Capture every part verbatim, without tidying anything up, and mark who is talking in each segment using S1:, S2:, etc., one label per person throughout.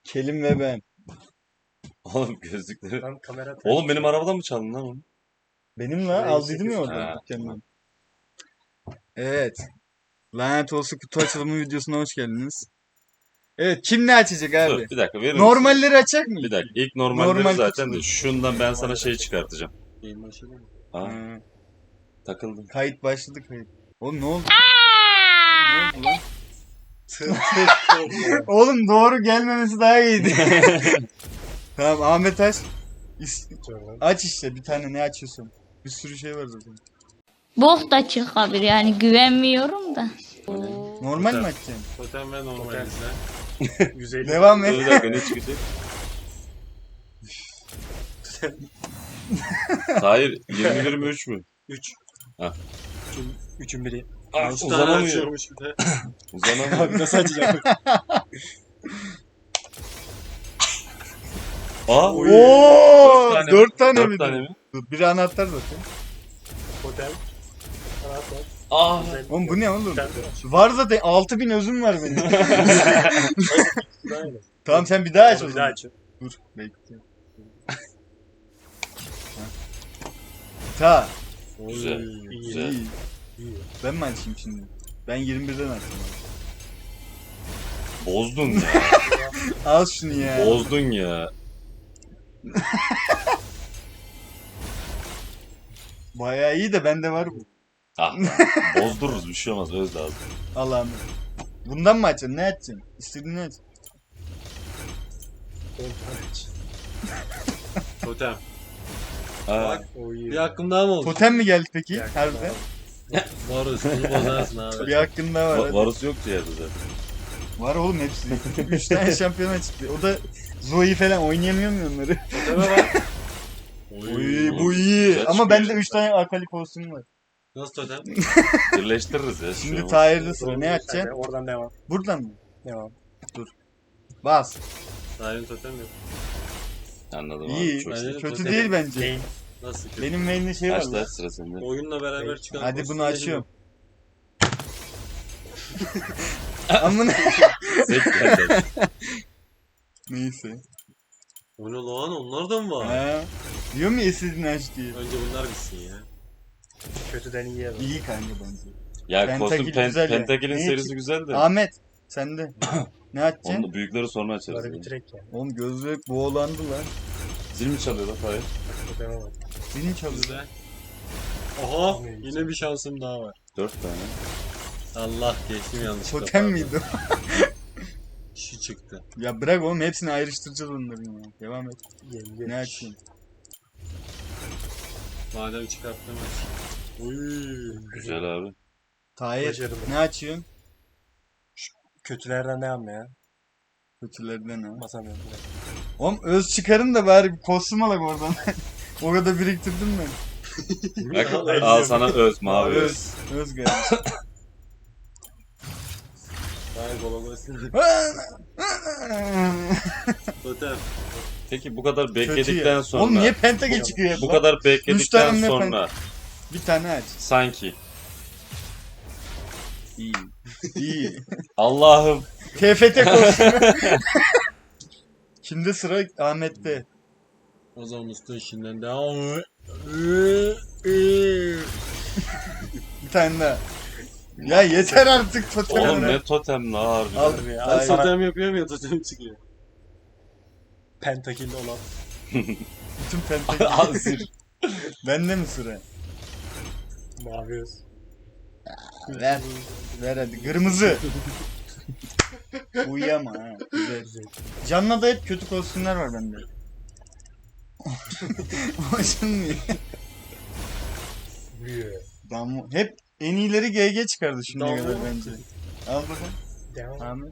S1: Kelim ve ben.
S2: Oğlum gözlükleri.
S3: Tam kamera
S2: Oğlum benim arabadan mı çaldın lan onu?
S1: Benim la
S3: Şurayı
S1: aldıydım ya
S3: sekiz-
S1: oradan
S2: Ha,
S1: dükkandan. Evet. Lanet olsun kutu açılımı videosuna hoş geldiniz. Evet, kim ne açacak abi?
S2: Dur bir dakika verir misin?
S1: Normalleri açacak mı?
S2: Bir dakika ilk normalleri
S1: Normal
S2: zaten
S1: kutu.
S2: de şundan ben sana şey çıkartacağım.
S3: Yayın başladı mı?
S2: Ha
S1: Ha,
S2: takıldım.
S1: kayıt başladı kayıt. Oğlum ne oldu? Ne oldu lan? Oğlum doğru gelmemesi daha iyiydi. Tamam Ahmet aç. İs- aç işte bir tane ne açıyorsun? Bir sürü şey var zaten.
S4: Bok da çıkabilir yani güvenmiyorum da.
S1: Normal mi
S3: Totem.
S1: açacaksın?
S3: Totem ve normal izle. yüz elli.
S1: Devam
S2: Dur
S1: et.
S2: bir dakika ne çıkacak? Hayır yirmi bir mi üç mü?
S3: üç.
S2: Ha.
S3: üçün, üçün biri.
S2: Ah,
S3: üç tane
S2: uzanamıyor.
S3: açıyormuş bir de.
S2: Uzanamıyor.
S3: Nasıl açacağım?
S2: Aa
S1: Oo,
S2: Dört tane mi?
S1: dört tane mi?
S2: dört tane mi?
S1: Dur, biri anahtar zaten.
S3: Totem. Anahtar.
S2: Aa.
S1: Oğlum bu ne oğlum?
S3: Bir tane de var.
S1: Var zaten altı bin özüm var benim.
S3: Aynen.
S1: Tamam sen bir daha aç o
S3: Bir daha
S1: zaman.
S3: açıyorum.
S1: Dur bekle. Ta.
S2: Güzel,
S3: Oy, iyi,
S2: güzel.
S1: İyi.
S3: iyi.
S1: Ben mi açayım şimdi? Ben yirmi birden açtım.
S2: Bozdun ya.
S1: Al şunu ya.
S2: Bozdun ya.
S1: Bayağı iyi de bende var bu.
S2: Ah lan, bozdururuz bir şey olmaz öz lazım.
S1: Allah'ım. Bundan mı açacaksın? Ne açacaksın? İstediğini aç.
S3: on tane aç. Totem.
S2: Aa,
S3: O iyi.
S5: Bir hakkım daha mı oldu?
S1: Totem mi geldi peki?
S3: Bir dakika
S1: Harbiden.
S5: Varus, bunu bozarsın abi.
S1: Bir hakkın daha var.
S2: va-
S1: hadi.
S2: Varus yoktu yerde zaten.
S1: Var oğlum hepsi. Üç tane şampiyona çıktı. O da Zoe falan oynayamıyor mu onları?
S3: Toteme bak.
S1: Oy, bu iyi.
S2: Güzel
S1: Ama
S2: çıkıyor.
S1: bende üç tane akali kostüm var.
S5: Nasıl totem?
S2: Birleştiririz ya.
S1: Şimdi
S2: Şimdi
S1: Tahir'de sıra. Ne
S3: Hadi,
S1: açacaksın?
S3: oradan devam.
S1: Buradan mı?
S3: Devam.
S1: Bas.
S5: Tahir'in totem yok.
S2: Anladım
S1: İyi.
S2: abi. Çok
S5: Aynen.
S1: Kötü
S5: Totem.
S1: değil bence.
S3: Game.
S5: Nasıl kötü?
S1: Benim main'de şey var
S2: Aç
S1: lan.
S2: da sıra sende.
S5: Oyunla beraber çıkan
S1: Hadi bunu
S5: kostümleri
S1: açıyorum. Amına.
S2: Zek geldi.
S1: Neyse.
S5: O ne lan? Onlar da mı var?
S1: Ha. Diyor mu ya istediğini aç diye.
S5: Önce bunlar bitsin ya.
S3: Kötüden iyiye bak.
S1: İyi kanka bence.
S2: Ya
S1: Pentagil
S2: kostüm pen,
S1: güzel ya.
S2: Pentagil'in
S1: Neyi
S2: serisi
S1: ki-
S2: güzel de.
S1: Ahmet sende. Ne açacaksın?
S2: Onu da büyükleri sonra açarız.
S3: Bunları
S2: yani.
S3: bitirek ya.
S1: Oğlum gözlük boğulandı lan.
S2: Zil mi çalıyor lan Tahir?
S3: Toteme bak.
S1: Senin çalıyor.
S5: Güzel. Oha! Yine bir şansım daha var.
S2: Dört tane.
S5: Allah geçtim yanlışlıkla.
S1: Totem
S5: pardon.
S1: miydi?
S5: Şu çıktı.
S1: Ya bırak oğlum hepsini ayrıştıracağız onların ya. Devam et.
S3: Yengeç.
S1: Ne açayım?
S5: Madem çıkarttım aç. Uy.
S2: Güzel abi.
S1: Tahir
S3: Başarılı.
S1: ne açıyorsun?
S3: Kötülerden devam ya.
S1: Kötülerden ha.
S3: Basamıyorum.
S1: Oğlum öz çıkarın da bari bir kostüm alak oradan. O kadar biriktirdim ben.
S2: Bak al sana öz mavi öz.
S1: Öz. Öz geldi.
S5: Tahir golagosun. Totem.
S2: Peki bu kadar
S1: Kötü
S2: bekledikten
S1: ya.
S2: sonra.
S1: Oğlum niye Pentagon çıkıyor hep
S2: Bu
S1: lan?
S2: kadar
S1: Üç
S2: bekledikten
S1: tane ne
S2: sonra.
S1: Bir tane aç.
S2: Sanki.
S1: İyi. İyi.
S2: Allah'ım.
S1: T F T kostümü. Kimde sıra? Ahmet'te.
S5: O zaman usta işinden devam.
S1: Bir tane daha. Ya yeter artık totem.
S2: Oğlum ne totem la harbi.
S1: Al.
S3: Harbi ya.
S1: Tahir.
S3: Al sana
S5: Totem yapıyorum ya totem çıkıyor.
S3: pentakilli olan.
S1: Bütün Pentagon.
S2: Al zil.
S1: Bende mi sıra?
S3: Mavi öz.
S1: Ver. Ver hadi. Kırmızı. Uyuyama ha. Güzel.
S3: Güzel.
S1: Canlı'da hep kötü kostümler var bende. Hoşlanmıyor.
S3: Büyü.
S1: Damla. Hep en iyileri G G çıkardı şimdiye
S3: Damla.
S1: kadar bence. Al bakalım.
S3: Devam.
S1: Ahmet.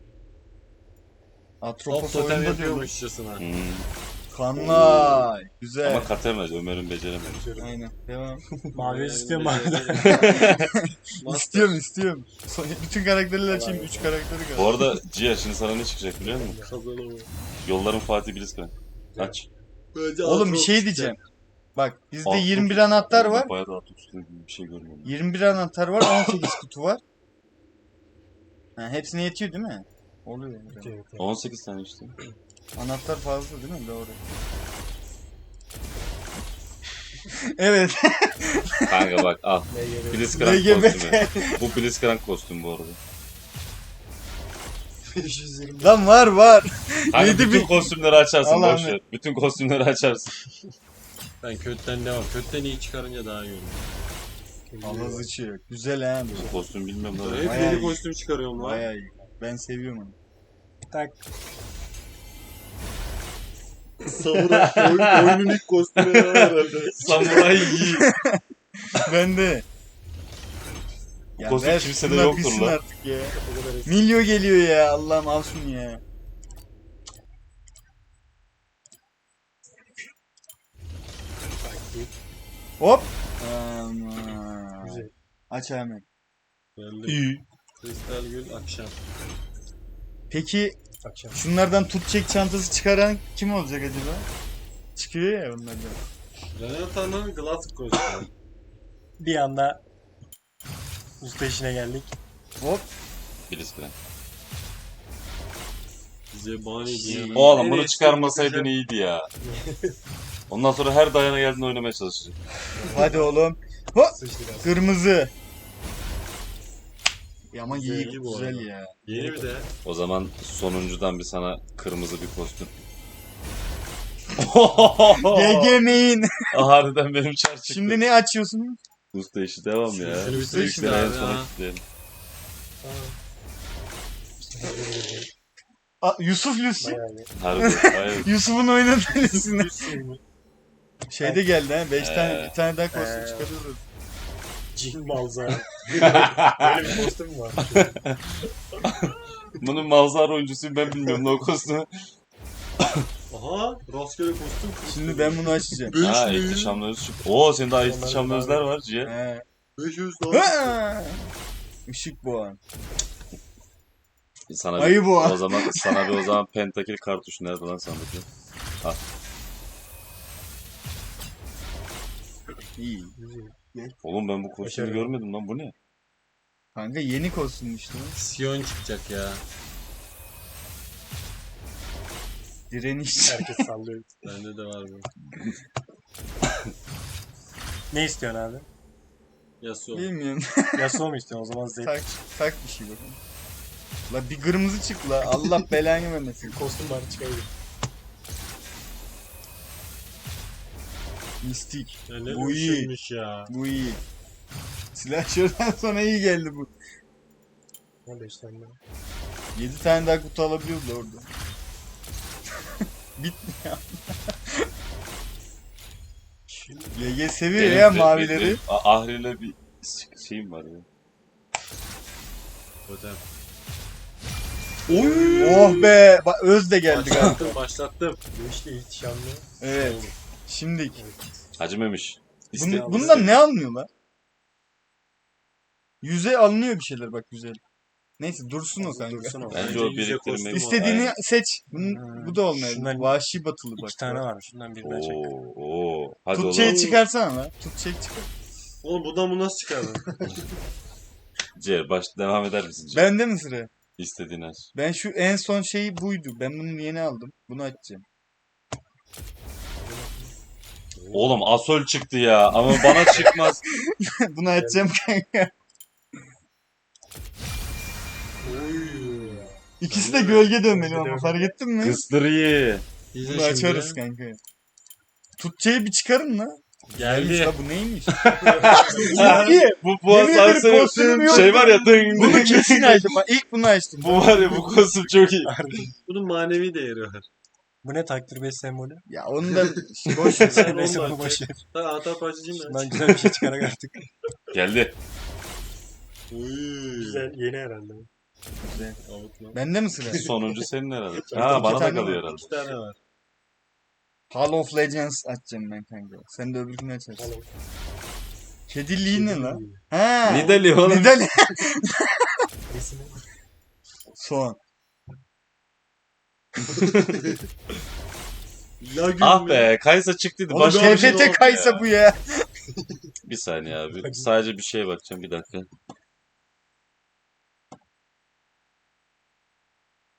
S5: Hop
S1: Atropos
S5: totem
S1: oyunda diyorlar.
S5: yapıyormuşçasına.
S2: Hmm.
S1: Kanlay. Güzel.
S2: Ama katemez Ömer'in beceremedi.
S1: Aynen. Devam.
S3: Mavi öz istiyorum mavi.
S1: istiyorum istiyorum. So- Bütün karakterleri açayım. Üç karakteri kaldı.
S2: Bu arada Cia şimdi sana ne çıkacak biliyor musun?
S5: Kazanamıyor.
S2: Yolların Fatih Bilizkan. Aç.
S5: Bence
S1: Oğlum bir
S5: Atrox
S1: şey
S5: çıktı.
S1: diyeceğim. Bak bizde
S2: Atrox.
S1: yirmi bir anahtar var.
S2: Bayağı da Atrox gibi bir şey görmüyorum.
S1: yirmi bir anahtar var. on sekiz kutu var. Ha, hepsine yetiyor değil mi? Oluyor.
S3: Evet, evet.
S2: on sekiz tane işte.
S1: Anahtar fazla değil mi? Doğru. Evet.
S2: Kanka bak al.
S3: Ne geliyor?
S2: Blitzcrank
S1: L G B
S2: kostümü.
S1: T.
S2: Bu Blitzcrank kostüm bu arada.
S3: beş yüz yirmi.
S1: Lan var var.
S2: Kanka
S1: Yedi
S2: bütün
S1: bin-
S2: kostümleri açarsın
S1: Al
S2: boş
S1: Ahmet.
S2: ver. Bütün kostümleri açarsın.
S5: Ben kötüden devam. Kötüden iyi çıkarınca daha iyi olur.
S1: Allah sıçıyor. Güzel ha bu.
S2: Bu kostüm bilmiyorum da.
S5: Hep
S1: Bayağı
S5: yeni
S1: iyi.
S5: kostüm çıkarıyorum lan.
S1: Bayağı iyi. Ben seviyorum onu.
S3: Tak.
S5: Samuray oyun, oyunun ilk kostümü herhalde.
S2: Samuray iyi.
S1: Ben de. Ya
S2: kostüm
S1: ver
S2: kimsede
S1: şunlar
S2: yoktur
S1: bitsin
S2: lan.
S1: artık ya.
S3: O kadar eski.
S1: Milyo geliyor ya. Allah'ım al şunu ya.
S3: Taktik.
S1: Hop. Aman.
S3: Güzel.
S1: Aç hemen.
S5: Geldi.
S1: İyi.
S5: Kristal gül akşam.
S1: Peki
S3: Akşam.
S1: şunlardan tut çek çantası çıkaran kim olacak acaba? Çıkıyor ya onlardan.
S5: Renata'nın glass kostümü.
S3: Bir anda usta işine geldik.
S1: Hop.
S2: Blitzcrank.
S5: Zebani diye.
S2: Oğlum
S5: En
S2: bunu
S5: eski
S2: çıkarmasaydın
S5: güzel-
S2: iyiydi ya. Ondan sonra her dayana geldiğinde oynamaya çalışacak.
S1: Hadi oğlum. Hop.
S3: Sıçtı biraz.
S1: Kırmızı. Ya ama
S5: Güzel,
S1: iyi
S5: iyi bu
S1: güzel
S5: arada.
S1: ya.
S5: Yeni bir de.
S2: O zaman sonuncudan bir sana kırmızı bir kostüm.
S1: G G main.
S2: Harbiden benim çar çıktı.
S1: Şimdi ne açıyorsun?
S2: Usta işi devam ya.
S5: Şunu
S2: Usta
S5: bitir
S2: işleri
S5: şimdi
S2: en
S5: abi
S2: sona
S5: ha.
S2: kilitleyelim.
S1: Aa, Yusuf Lucy.
S3: Bayağı iyi.
S2: Harbi. Hayır.
S1: Yusuf'un oynadığı Lucy'ne.
S3: Lucy.
S1: Şeyde geldi ha. beş tane
S2: Ee.
S1: bir tane daha kostüm
S3: Ee.
S1: çıkarıyoruz.
S3: Cin Malzara. Böyle bir kostüm mü var?
S2: Bunun Malzar oyuncusuyum ben bilmiyorum ne o kostümü.
S5: Aha rastgele kostüm.
S1: Şimdi ben bunu açacağım.
S5: Beş
S2: Ha
S5: mi?
S2: ihtişamlı öz çıktı. Oo senin daha ihtişamlı
S3: Onların
S2: özler var Ciğer.
S1: He.
S5: beş yüz daha.
S1: Ha! Işık boğan.
S2: Sana
S1: Ayı
S2: bir,
S1: bu.
S2: o zaman sana bir o zaman pentakil kartuş nerede lan sandıkta?
S1: İyi.
S2: Oğlum ben bu kostümü
S3: Başarılı.
S2: görmedim lan bu ne?
S1: Kanka yeni kostüm işte.
S5: Sion çıkacak ya.
S1: Direniş.
S3: Herkes sallıyor.
S5: Bende de var bu.
S3: Ne istiyorsun abi?
S5: Yasuo.
S1: Bilmiyorum.
S3: Yasuo mu istiyorsun? O zaman Zed.
S1: tak, tak bir şey bakalım. La bir kırmızı çık la. Allah belanı vermesin.
S3: Kostüm var çıkabilir.
S1: Mistik.
S5: Ya ne
S1: Bu iyi.
S5: düşünmüş ya.
S1: Bu iyi. Silahşörden sonra iyi geldi bu.
S3: on beş tane daha.
S1: yedi tane daha kutu alabiliyoruz da orada. Bitmiyor. G G seviyor
S2: Benim-
S1: ya
S2: benim-
S1: mavileri.
S2: benim Ahri'yle bir şeyim var ya.
S5: Totem.
S1: Oh be. Bak öz de geldi galiba.
S5: Başlattım başlattım.
S3: Bu işte ihtişamlı.
S1: Evet. Şimdi
S2: Hacı Memiş. İste,
S1: Bun, bundan ne alınıyorlar? Yüze alınıyor bir şeyler bak güzel. Neyse dursun o kanka.
S3: Dursun o.
S2: Bence o
S5: Bence yüze
S2: biriktirmek.
S5: kostüm
S1: İstediğini
S2: Aynen.
S1: seç. Bunun,
S3: Hmm.
S1: bu da olmuyor.
S3: Şundan
S1: Vahşi batılı bak.
S3: İki tane var. Şundan birinden çek.
S2: Oo, oo. Hadi
S1: Tut
S2: oğlum.
S1: şeyi çıkarsana lan. Tut çek çıkar.
S5: Oğlum buradan bu nasıl çıkardın?
S2: Ciğer baş devam eder misin Ciğer?
S1: Bende mi sıra?
S2: İstediğin aç.
S1: Ben şu en son şeyi buydu. Ben bunu yeni aldım. Bunu açacağım.
S2: Oğlum Asol çıktı ya ama bana çıkmaz.
S1: Bunu açacağım kanka.
S5: Oy.
S1: İkisi de gölge dönmeli
S3: Gölge
S1: ama
S3: dönmeli.
S1: fark ettin mi?
S2: Kıstırıyı.
S5: İzle
S1: Bunu açarız kanka. Tutçeyi bir çıkarın la. Neymiş
S5: Geldi.
S1: la bu neymiş?
S2: Bu bu
S1: Yemin ederim
S2: asansörün
S1: kostümüm yok.
S2: şey var ya ding
S1: Bunu
S2: ding
S1: kesin
S2: ding.
S1: açtım. Bak ilk bunu açtım.
S2: Bu var ya bu kostüm çok iyi.
S5: Bunun manevi değeri var.
S3: Bu ne takdir beş sembolü?
S1: Ya onu da boş ver.
S5: Sen
S3: Neyse
S5: onu
S3: bunu boş ver.
S5: Sen anahtar parçacıyım ben.
S3: Şundan güzel bir şey çıkarak artık.
S2: Geldi.
S5: Oy.
S3: Güzel yeni herhalde.
S5: Avutma.
S1: Bende mi sıra?
S2: Sonuncu senin herhalde.
S1: İki
S2: Ha bana da
S1: tane
S2: kalıyor
S1: var.
S2: herhalde.
S5: İki tane var.
S1: Hall of Legends açacağım ben kanka. Sen de öbürkünü açarsın.
S3: Oğlum.
S1: Kediliği ne lan? Ha.
S2: Nidali oğlum.
S1: Nidali.
S3: Nesine?
S1: Soğan.
S5: Lagün
S2: Ah
S5: mü?
S2: be Kaysa çıktıydı.
S1: Oğlum
S2: Başka bir şey
S1: T F T
S2: oldu
S1: kaysa
S2: ya.
S1: bu ya.
S2: Bir saniye abi. Sadece bir şeye bakacağım bir dakika.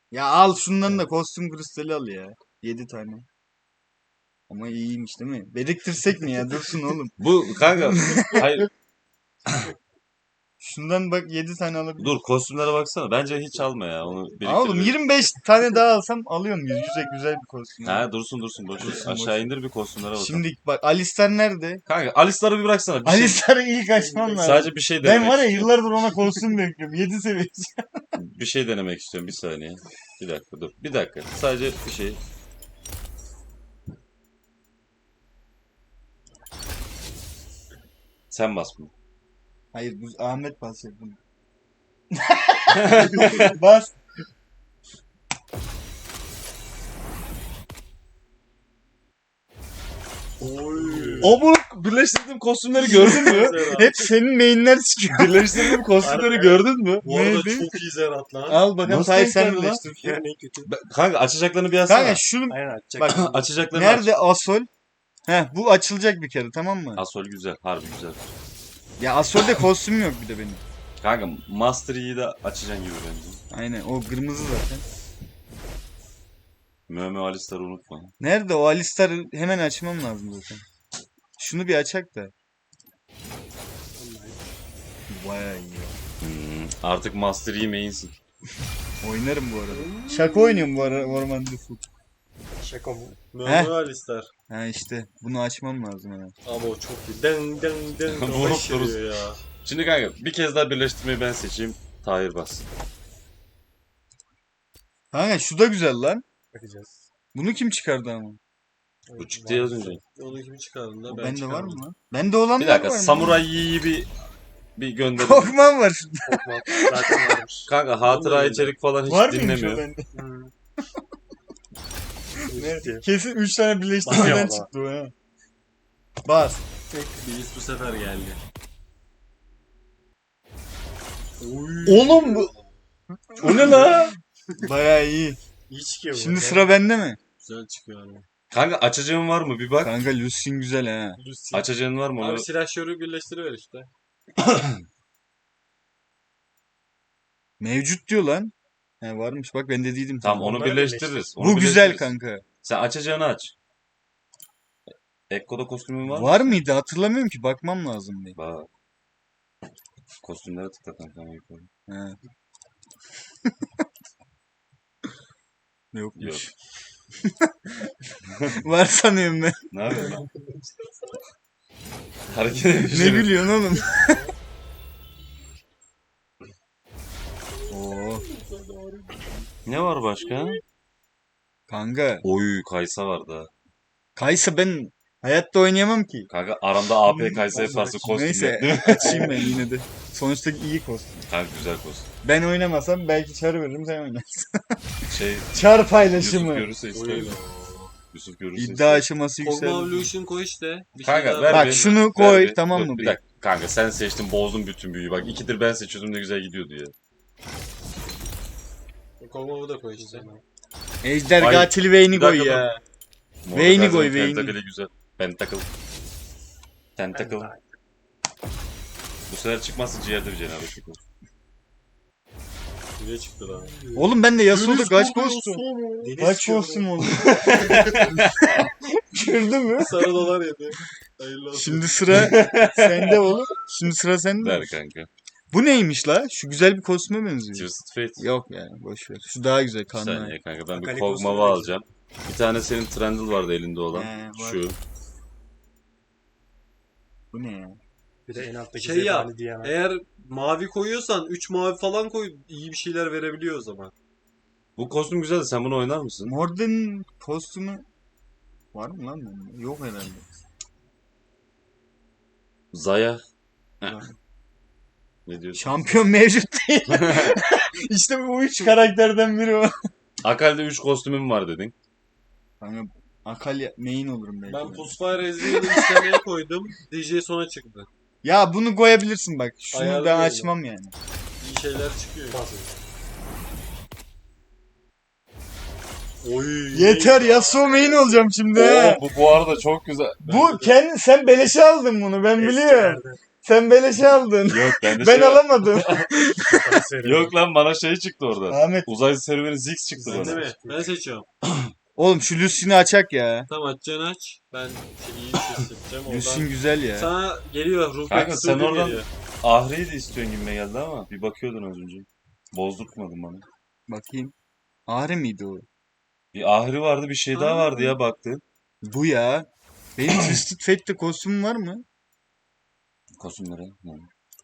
S1: Ya al şundan da kostüm kristali al ya. yedi tane. Ama iyiymiş değil mi? Biriktirsek mi ya? Dursun oğlum.
S2: Bu kanka hayır
S1: Şundan bak yedi tane alabilirim.
S2: dur kostümlere baksana. Bence hiç alma ya. Onu
S1: Aa, oğlum
S2: biriktir.
S1: yirmi beş tane daha alsam alıyorum. Güzel güzel bir kostüm.
S2: Ha dursun dursun boş ver.
S1: Dursun,
S2: Aşağı
S1: boş ver.
S2: indir bir kostümlere bakalım.
S1: Şimdi bak Alistar nerede?
S2: Kanka Alistar'ı bir bıraksana. Bir şey,
S1: Alistar'ı ilk açmam lazım.
S2: sadece bir şey
S1: Ben
S2: denemek
S1: var ya
S2: istiyorum.
S1: yıllardır ona kostüm bekliyorum. yedi seviye.
S2: Bir şey denemek istiyorum. Bir saniye. Bir dakika dur. Bir dakika. Sadece bir şey. Sen bas bunu.
S1: Hayır bu Ahmet basacak bunu. Bas.
S3: Oy.
S2: O bu birleştirdiğim kostümleri gördün mü?
S1: Hep senin mainler çıkıyor.
S2: Birleştirdiğim kostümleri gördün mü?
S3: Bu arada
S1: Neydi?
S3: çok iyi Zerat lan.
S1: Al bakalım
S2: Nasıl
S1: say
S2: denk
S1: sen
S2: geldi lan?
S1: birleştir.
S3: Yani en kötü.
S2: Ben- Kanka açacaklarını bir yazsana.
S1: Kanka şunu
S3: Aynen atacak.
S1: bak
S2: Açacaklarını aç.
S1: nerede Asol? Heh bu açılacak bir kere tamam mı?
S2: Asol güzel. Harbi güzel.
S1: Ya Asol'de kostüm yok bir de benim.
S2: Kanka Master Yi'yi de açacaksın gibi bence.
S1: Aynen o kırmızı zaten.
S2: Möme Alistar'ı unutma.
S1: Nerede o Alistar'ı hemen açmam lazım zaten. Şunu bir açak da. Vay ya.
S2: Hmm, artık Master Yi main'sin.
S1: Oynarım bu arada. Şaka oynuyorum bu ara Orman Default.
S3: Şaka mı?
S5: Mehmet Alistar.
S1: Ha işte bunu açmam lazım hemen.
S5: Ama o çok iyi. Den den den.
S2: Vurup
S5: Kafa şişiriyor ya.
S2: Şimdi kanka bir kez daha birleştirmeyi ben seçeyim. Tahir bas.
S1: Kanka şu da güzel lan.
S3: Bakacağız.
S1: Bunu kim çıkardı ama?
S2: Bu çıktı ya az önce.
S5: Onu kim çıkardın da
S1: O
S5: ben
S1: bende var
S5: çıkardım.
S1: mı lan? Bende olan
S2: Bir dakika
S1: var mı?
S2: Samuray Yi'yi bir bir gönderelim.
S1: Korkmam var.
S3: Korkma. Zaten varmış.
S2: Kanka hatıra
S5: Olmuyor
S2: içerik falan hiç
S1: Var mıymış o
S2: dinlemiyor.
S1: bende?
S3: Hmm.
S1: Ne? Kesin üç tane
S3: Bas
S1: birleştirmeden
S3: ya
S1: çıktı o ha. Bas.
S5: Biz bu sefer geldi.
S1: Oğlum bu.
S2: O ne la?
S1: Baya iyi.
S3: İyi çıkıyor bu.
S1: Şimdi
S3: arada.
S1: sıra bende mi?
S5: Güzel çıkıyor ama.
S2: Kanka açacağın var mı bir bak.
S1: Kanka Lucian güzel ha.
S3: Lucy.
S2: Açacağın var mı onu?
S5: Abi silahşörü birleştiriver işte.
S1: Mevcut diyor lan. He varmış bak ben de değildim.
S2: Tamam onu
S3: Onları
S2: birleştiririz. Onu
S1: Bu güzel
S2: birleştiririz.
S1: kanka.
S2: Sen açacağını aç. Ekko'da kostümün var mı?
S1: Var mıydı hatırlamıyorum ki bakmam lazım bir.
S2: Bak. Kostümlere tıkla kanka.
S1: He. Yokmuş. Var sanıyorum ben.
S2: Ne yapıyorsun lan? Hareket ediyor.
S1: Ne gülüyorsun oğlum? Oo,
S2: Ne var başka?
S1: kanka.
S2: Oy Kaysa var da.
S1: Kaysa ben hayatta oynayamam ki.
S2: Kanka aramda A P Kaysa yaparsın kostüm
S1: Neyse
S2: yok değil mi?
S1: açayım ben yine de. Sonuçta iyi kostüm.
S2: Kanka güzel kostüm.
S1: Ben oynamasam belki çar veririm sen oynarsın.
S2: Şey
S1: Çar
S2: Yusuf
S1: paylaşımı.
S2: görürse ister.
S5: Oy.
S2: Yusuf görürse
S1: İddia
S2: ister.
S1: aşaması
S5: Kogma
S1: yükseldi.
S5: Evolution koy işte. Bir
S2: Kanka
S5: şey
S2: ver
S5: daha
S1: Bak
S2: bir-
S1: şunu
S2: ver
S1: koy,
S2: bir.
S1: tamam
S2: Dur,
S1: mı
S2: Bir
S1: bir?
S2: dakika kanka sen seçtin bozdun bütün büyüyü. Bak ikidir ben seçiyordum ne güzel gidiyordu ya.
S5: Kogma'yı da koy işte.
S1: Ejder
S2: Ay,
S1: katili Vayne'i
S2: bir
S1: koy
S2: dakika
S1: ya.
S2: Morda
S1: Vayne'i
S2: her
S1: koy,
S2: zaman
S1: Vayne'i.
S2: Tentacle güzel. Pentacle. Tentacle. Bu sefer çıkmazsa ciğerde bir cenabetlik olur.
S5: Bire çıktı lan.
S1: Oğlum ben de Yasuo'da kaç kostüm?
S3: Deniz
S1: Kaç
S3: çıkıyor
S1: kostüm oldu? Gördün mü?
S5: Sarı dolar yedi. Hayırlı olsun.
S1: Şimdi sıra sende oğlum. Şimdi sıra sende.
S2: Der kanka.
S1: Bu neymiş la? Şu güzel bir kostüme benziyor.
S2: Twisted Fate.
S1: Yok ya boş ver. Şu daha güzel
S2: Bir
S1: kanlı.
S2: saniye kanka ben bir
S3: Akali
S2: Kog'Maw'ı
S3: kostümü
S2: alacağım. Bir tane senin Trundle vardı elinde olan.
S1: He, var.
S2: Şu.
S1: Bu ne ya?
S3: Bir de en alttaki
S5: Şey ya,
S3: zebani diyen.
S5: Eğer mavi koyuyorsan üç mavi falan koy iyi bir şeyler verebiliyor o zaman.
S2: Bu kostüm güzeldi sen bunu oynar mısın?
S1: Morden kostümü var mı lan bende? Yok herhalde.
S2: Zaya. Heh.
S1: Var.
S2: Ne diyorsun?
S1: Şampiyon mevcut değil. İşte bu üç karakterden biri o.
S2: Akal'de üç kostümüm var dedin.
S1: Kanka Akali main olurum belki.
S5: Ben Pusfire Ezreal'ı istemeye koydum. D J sona çıktı.
S1: Ya bunu koyabilirsin bak. Şunu ben
S5: Ayarlıyorum.
S1: açmam yani.
S5: İyi şeyler çıkıyor.
S3: Oy.
S1: Yeter Yasuo main olacağım şimdi.
S2: Oo,
S1: he.
S2: bu bu arada çok güzel.
S1: Bu kendi sen beleşe aldın bunu ben
S3: Eski
S1: biliyorum.
S3: yerde.
S1: Sen beleş aldın.
S2: Yok bende
S1: Ben
S2: şey var.
S1: alamadım.
S2: Yok lan bana şey çıktı orada.
S1: Ahmet.
S2: Uzay serüveni Ziggs çıktı
S5: Ben de
S2: bana.
S5: mi? Ben seçiyorum.
S1: Oğlum şu Lucy'ni açak ya.
S5: Tamam açacaksın aç. Ben şeyi seçeceğim
S1: Lucy'nin
S5: oradan.
S1: güzel ya.
S5: Sana geliyor. Ruh
S2: Kanka,
S5: Bekçisi
S2: sen
S5: ödül
S2: oradan-
S5: geliyor.
S2: Ahri'yi de istiyorsun gibime geldi ama bir bakıyordun az önce. Bozdurtmadın bana.
S1: Bakayım. Ahri miydi o?
S2: Bir Ahri vardı bir şey daha
S5: Aa.
S2: vardı ya baktın.
S1: Bu ya. Benim Twisted Fate'de kostümüm var mı?
S2: Kostümlere. Hı.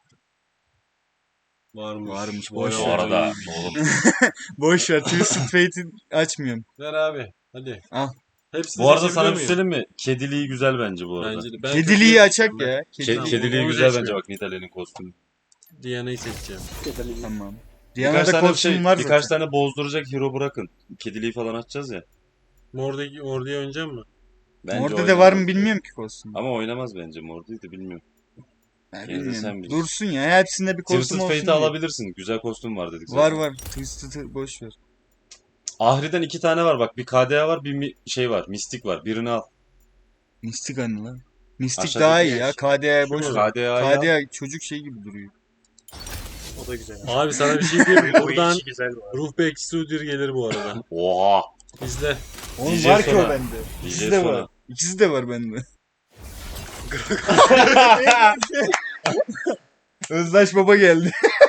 S5: Varmış.
S1: Varmış,
S5: Vay
S1: boş
S2: Bu
S1: ver.
S2: arada oğlum.
S1: Boş ver. Twisted Fate'i açmıyorum.
S5: Ver abi. Hadi.
S1: Al.
S5: Hepsini
S2: Bu arada
S5: seçebiliyor
S2: sana bir
S5: muyum?
S2: şey söyleyeyim mi? Kediliği güzel bence bu arada.
S5: Bence de. Ben
S1: Kediliği
S5: kötüyü
S1: açak
S5: seçeceğim ben.
S1: ya.
S2: Ke-
S1: Kediliği.
S5: Tamam,
S2: kediliği
S5: onu
S2: güzel bence
S5: seçmiyorum.
S2: bak Nidalee'nin kostümü.
S5: Diana'yı seçeceğim.
S1: Tamam.
S2: Birkaç
S1: Diana'da
S2: tane
S1: kostüm
S2: şey,
S1: var
S2: birkaç
S1: zaten.
S2: tane bozduracak hero bırakın. Kediliği falan açacağız ya.
S5: Mordaki Ordu'ya oynayacak mı?
S2: Bence
S1: Orada da
S2: oynamaz.
S1: var mı bilmiyorum ki kostüm.
S2: Ama oynamaz bence Morde'yi de bilmiyorum.
S1: Ya
S2: Yine de sen
S1: bilmiyorum.
S2: bilirsin.
S1: Dursun ya. Hepsinde bir kostüm
S2: Twisted
S1: olsun
S2: Fate'i
S1: diye.
S2: alabilirsin. Güzel kostüm var dedik
S1: Var
S2: zaten.
S1: var. Twisted'ı boş ver.
S2: Ahri'den iki tane var bak. Bir K D A var bir mi- şey var. Mistik var. Birini al.
S1: Mystic anı lan. Mystic
S2: Aşağıdaki
S1: daha iyi
S2: ne?
S1: ya. K D A'ya
S5: Şu
S1: boş
S5: mu?
S1: ver.
S2: K D A'yı al.
S1: K D A çocuk şey gibi duruyor.
S3: O da güzel.
S5: Abi sana bir şey diyeyim mi?
S3: O
S5: Buradan
S3: işi güzel bu arada.
S5: Ruh Bekçisi ödül gelir bu arada.
S2: Oha.
S5: İzle.
S1: Onun
S2: D J
S1: var ki o
S2: Sona.
S1: bende.
S2: D
S1: İkisi
S2: J
S1: de
S2: Sona.
S1: var. İkisi de var bende. Özdaş baba geldi.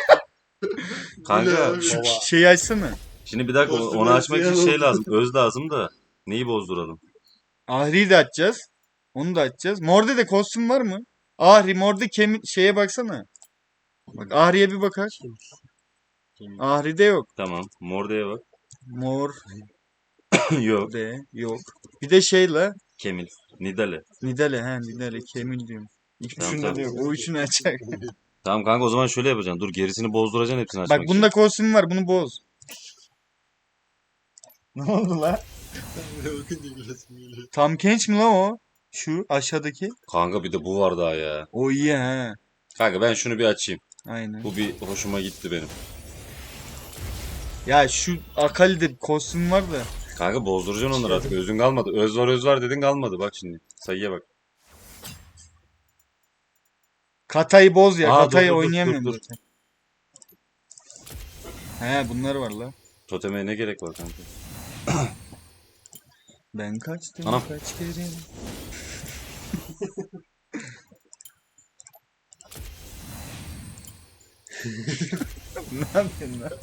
S2: Kanka
S1: Şu
S3: Baba.
S1: şeyi açsana.
S2: şimdi bir dakika
S5: Kostüm
S2: onu açmak için
S5: olsun ya.
S2: şey lazım. Öz lazım da. Neyi bozduralım?
S1: Ahri'yi de açacağız. Onu da açacağız. Morde de kostüm var mı? Ahri, Morde kemi şeye baksana. Bak Ahri'ye bir bakar. Ahri'de yok.
S2: Tamam. Morde'ye bak.
S1: Morde
S2: Yok.
S1: yok. Bir de şeyle
S2: Kemil. Nidale.
S1: Nidale he Nidale Kemil diyorum.
S2: Tamam,
S1: İkisinde
S2: tamam.
S1: de yok. O üçünü açacak.
S2: Tamam kanka o zaman şöyle yapacaksın. Dur gerisini bozduracaksın hepsini açmak
S1: Bak bunda kostüm var. Bunu boz. Ne oldu lan? Tam Kench mi lan o? Şu aşağıdaki.
S2: için. Kanka bir de bu var daha ya.
S1: O iyi ha.
S2: Kanka ben şunu bir açayım.
S1: Aynen.
S2: Bu bir hoşuma gitti benim.
S1: Ya şu Akali'de bir kostüm var da.
S2: Kanka bozduracaksın onları artık. Özün kalmadı. Öz var öz var dedin kalmadı. Bak şimdi. Sayıya bak.
S1: Katayı boz ya.
S2: Aa,
S1: Katayı
S2: dur, dur, dur,
S1: oynayamıyorum
S2: dur, dur.
S1: zaten. He bunlar var la.
S2: Toteme ne gerek var kanka?
S1: Ben kaçtım
S2: Anam.
S1: kaç kere. Ne yapıyorsun lan?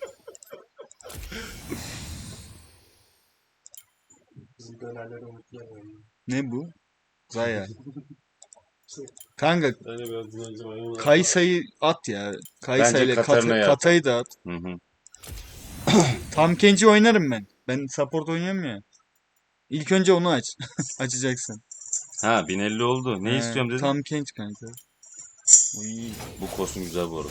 S3: Bizim dönerleri unutmayalım.
S1: Ne bu? Zaya. Kanka
S5: Ben de biraz dinleneceğim.
S1: Kaysa'yı at ya. Kaysa ile
S2: Katarina'yı
S1: Kata,
S2: at.
S1: Katay'ı da at.
S2: Hı hı.
S1: Tam Kench'i oynarım ben. Ben support oynuyorum ya. İlk önce onu aç. Açacaksın.
S2: Ha bin elli oldu. Ne
S1: He,
S2: istiyorum dedin?
S1: Tam Kench kanka. Uy.
S2: Bu kostüm güzel bu arada.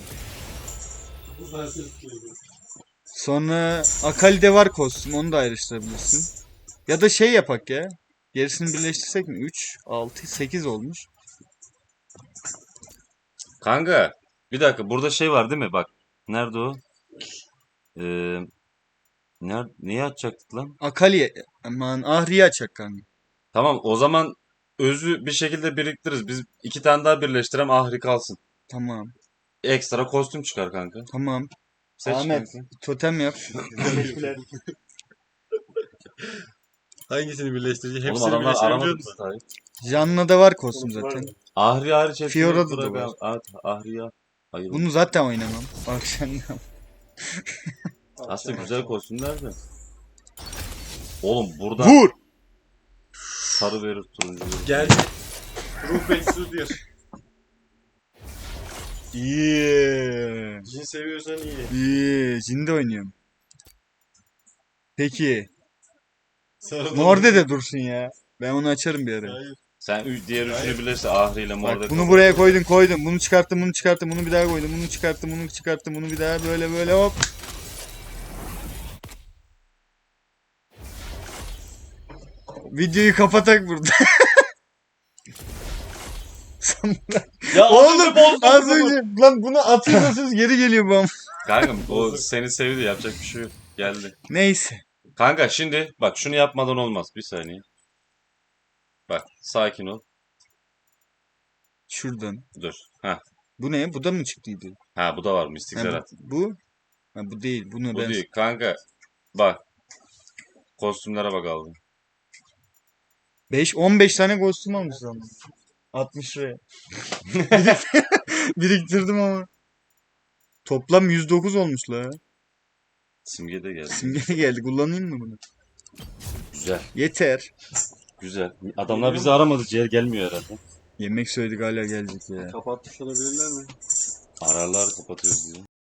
S1: Sonra Akali'de var kostüm. Onu da ayrıştırabilirsin. Ya da şey yapak ya. Gerisini birleştirsek mi? üç, altı, sekiz olmuş.
S2: Kanka bir dakika burada şey var değil mi? Bak. Nerede o? Ee, ner neyi açacaktık lan?
S1: Akali aman Ahri'yi açak kanka.
S2: Tamam o zaman özü bir şekilde biriktiririz. Biz iki tane daha birleştirem Ahri kalsın.
S1: Tamam.
S2: Ekstra kostüm çıkar kanka.
S1: Tamam.
S2: Seç
S1: Ahmet
S2: kanka.
S1: totem yap.
S3: Teşekkürler.
S5: Hangisini birleştireceğim?
S2: Oğlum
S5: Hepsini
S2: adamlar
S5: birleştirebiliyor
S2: aramadı
S5: musun?
S2: Tahir.
S1: Janna da var kostüm zaten.
S2: Ahri hariç hepsini
S1: Fiora'da da
S2: bırak
S1: var.
S2: abi. At, Ahri'yi al. Hayır.
S1: Bunu zaten oynamam. Bak sen
S2: Aslında güzel kostümler de. Oğlum burada
S1: Vur!
S2: sarı verir turuncu verir.
S5: Gel. Ruh Bekçisi ödül.
S1: İyi.
S5: Cin seviyorsan iyi.
S1: İyi. Jinde oynuyorum. Peki.
S5: Sarı
S1: Morde de dursun ya. Ben onu açarım bir ara.
S5: Hayır.
S2: Sen ü- diğer üçünü birleştir Ahri ile Morde.
S1: Bak bunu buraya koydun koydun. Bunu çıkarttım bunu çıkarttım. Bunu bir daha koydum. Bunu çıkarttım bunu çıkarttım. Bunu bir daha böyle böyle hop. Videoyu kapatak burada.
S2: Ya
S1: Oğlum az önce lan bunu atıyorsunuz geri geliyor bana.
S2: Kanka o seni sevdi yapacak bir şey yok. Geldi.
S1: Neyse.
S2: Kanka şimdi bak şunu yapmadan olmaz. Bir saniye. Bak sakin ol.
S1: Şuradan.
S2: Dur. Ha.
S1: Bu ne? Bu da mı çıktıydı?
S2: Ha bu da var mistik
S1: Ha,
S2: Zerat.
S1: bu, bu? Ha, bu değil. Bunu
S2: Bu
S1: ben
S2: değil kanka. Bak. Kostümlere bak aldım.
S1: beş on beş tane kostüm almışız ama. altmış liraya. Birik- Biriktirdim ama. Toplam yüz dokuz olmuş la.
S2: Simge de geldi.
S1: Simge geldi. Kullanayım mı bunu?
S2: Güzel.
S1: Yeter.
S2: Güzel. Adamlar bizi aramadı. Ciğer gelmiyor herhalde.
S1: Yemek söyledik hala gelecek ya.
S5: Kapatmış olabilirler mi?
S2: Ararlar kapatıyoruz diye.